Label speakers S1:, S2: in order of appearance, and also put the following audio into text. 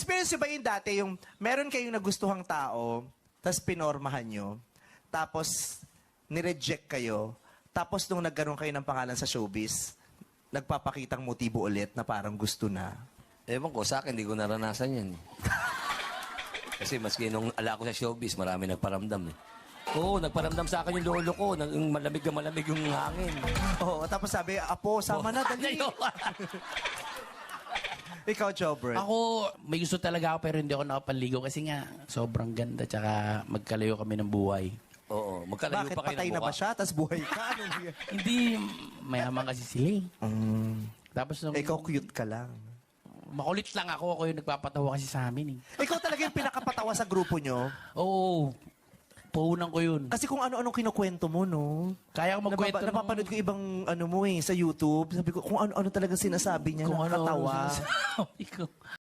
S1: Na-experience nyo ba yung dati, yung meron kayong nagustuhang tao, tapos pinormahan nyo, tapos nireject kayo, tapos nung nagkaroon kayo ng pangalan sa showbiz, nagpapakitang motibo ulit na parang gusto na.
S2: Ewan ko, sa akin, hindi ko naranasan yan. Kasi maski nung ala ko sa showbiz, marami nagparamdam eh. Oo, nagparamdam sa akin yung lolo ko, yung malamig na malamig yung hangin.
S1: Oo, tapos sabi, Apo, sama na, dali. Ikaw, Jobert.
S3: Ako, may gusto talaga ako pero hindi ako nakapaligo kasi nga sobrang ganda tsaka magkalayo kami ng buhay.
S2: Oo, magkalayo
S1: Bakit
S2: pa kayo
S1: patay
S2: ng
S1: na
S2: buka.
S1: ba siya, tapos buhay ka? Anong nangyari?
S3: Hindi, mayaman kasi sila eh. Tapos nung,
S1: Ikaw, cute ka lang.
S3: makulit lang ako yung nagpapatawa kasi sa amin eh.
S1: Ikaw talaga yung pinakapatawa sa grupo nyo.
S3: Oo, puhunan ko yun.
S1: Kasi kung ano-anong kinukwento mo, no?
S3: Kaya ko magkwento ng-
S1: Napapanood ko ibang ano mo eh, sa YouTube. Sabi ko, kung ano-ano talaga sinasabi niya,
S3: kung ano
S1: nakakatawa.
S3: sinasabi ko.